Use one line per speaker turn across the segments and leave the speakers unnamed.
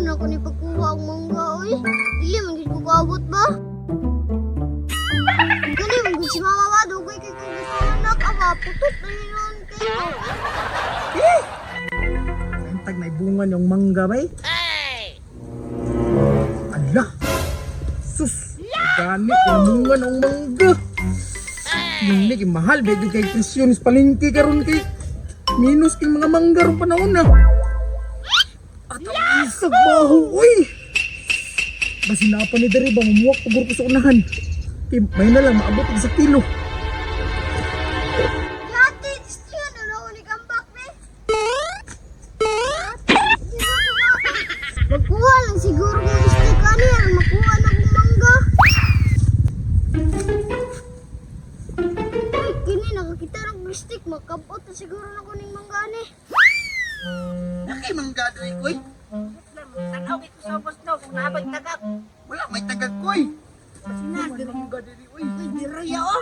man ako ni pagkuha ang mangga, oy. Dili man gid ko kaabot ba? Gani man gid si mama ba, dugay kay kung gusto anak, aba, putot na yun kay.
Antag may bunga yung mangga bay. Ala! Sus! Gani yung bunga ng mangga. Yung naging mahal, medyo kay presyonis palingki karon kay minus kay mga mangga ron panahon na. At ang isag baho, uy! Basinapan ni Dari ba, mamuwak pagor ko sa unahan. Kay may na lang, maabot sa kilo.
Yati, stiyo na raw ni kambak, be. Magkuha lang siguro kung stick ani, ang makuha na kong mangga. Ay, kini nakakita ng stick, makabot na siguro na kuning mangga ni.
Nakay mangga doy, koy.
Tanaw ito sa boss no, kung nabay tagak.
Wala, may tagag koy.
Sinas,
May mangga diri, uy.
uy, diraya oh.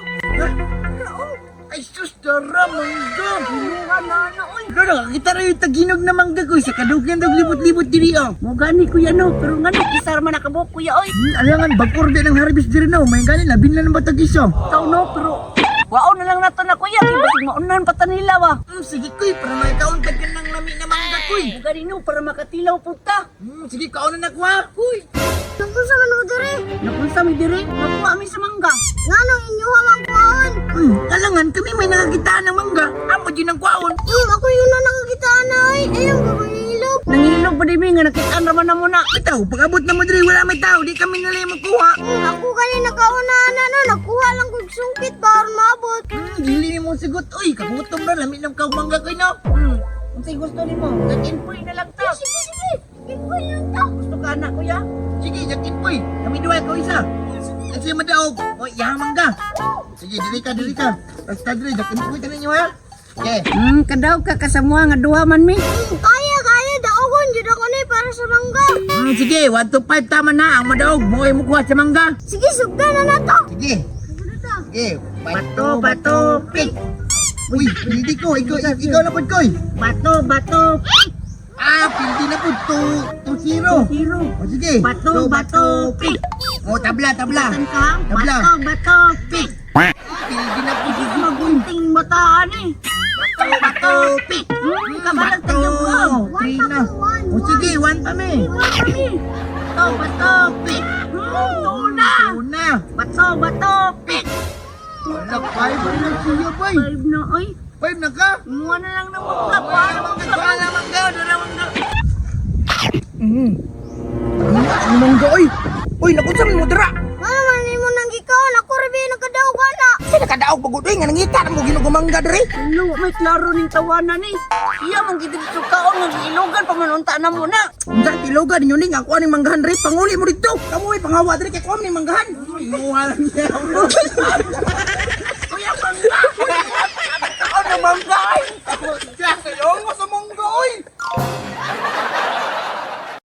Ay sus, dara mangga.
Binuha na, uy.
Pero nakakita rin yung taginog na mangga koy. Sa kadugyan daw libot-libot diri, oh.
Mo gani kuya no, pero ngano kisar man nakabok kuya oy.
Alangan, bagkor din ang harvest diri no. May ganin, labin na ng batag iso.
Ikaw no, pero wao na lang nato na kuya, kay basig maunan pa ta nila ba.
Sige koy, para may kaon ka ng lami na mangga koy.
Mo gani no para makatilaw pud ta.
Sige, kaon na nakuha. Uy.
Nangkung sa manong diri,
Napunsa mi diri, makuha mi sa mangga.
nga nang inyuha mang kuhaan.
Alangan, kami may nakakitaan ng mangga. Amo din ang kwaon.
Ako yun na nakakita na ay. Ayun, gabangilog.
Nangilog pa di mi nga nakitaan raman na mo na.
Itaw, pag-abot na mo diri, wala may tao. Di kami nila yung magkuha.
Ako kani nakauna na no, nakuha lang kong sungkit para maabot.
Dili mo sigot. Uy, kagutom na. Lami ng kaong mangga koy no.
Kung say gusto nimo, nag-inpoy na lang ta.
Sige, sige. Ikaw yun to.
Gusto ka na kuya?
Sige, yakin koy. Kami duwa ko isa. Kasi madaog. O, yaha mangga. Sige, dili ka, dili ka. Basta dili, yakin koy tanin nyo ha. Okay.
Kadaw ka kasamua nga duha man mi.
Kaya. Daogon, dyan ako ni para sa mangga.
Sige, 1 to 5 tama na. Ang madaog, mo ay mukuha sa mangga.
Sige, sugda na na to.
Sige.
Ano na to?
Sige.
Bato, pik.
Uy, hindi ko. Ikaw na po, koy.
Bato, pik.
Hindi na po. 2-0.
Hero.
O, sige.
Bato, pik.
O, tabla.
Saan ka?
Tabla.
Bato, pik.
Hindi na po.
Sige, magunting bataan eh. Bato, pik. Kabalang tagyong mo.
3 na. O, sige. 1 kami.
Bato, pik. Tuna.
Una.
Bato, pik.
Wala, 5 na siya, boy.
5 na, oy.
5 na ka.
Muha na lang ng mga para
Wala mangga. Ano mangga, oy? Oy, nakunsa mo dira.
Ano man ni mo nang gikaon? Ako rin nagkadaw ka na.
Kasi nakadaog pagod, oy. Nga nangita na mo ginugumangga diri.
Ano, may klaro ning tawanan eh. Iya mong gitid sa kaon ng ilogan pamanunta na mo na.
Unsa tiloga ninyo ning ako aning manggahan diri. Panguli mo dito. Kamu ay panghawa diri kay kuam ning manggahan. Imuha lang niya.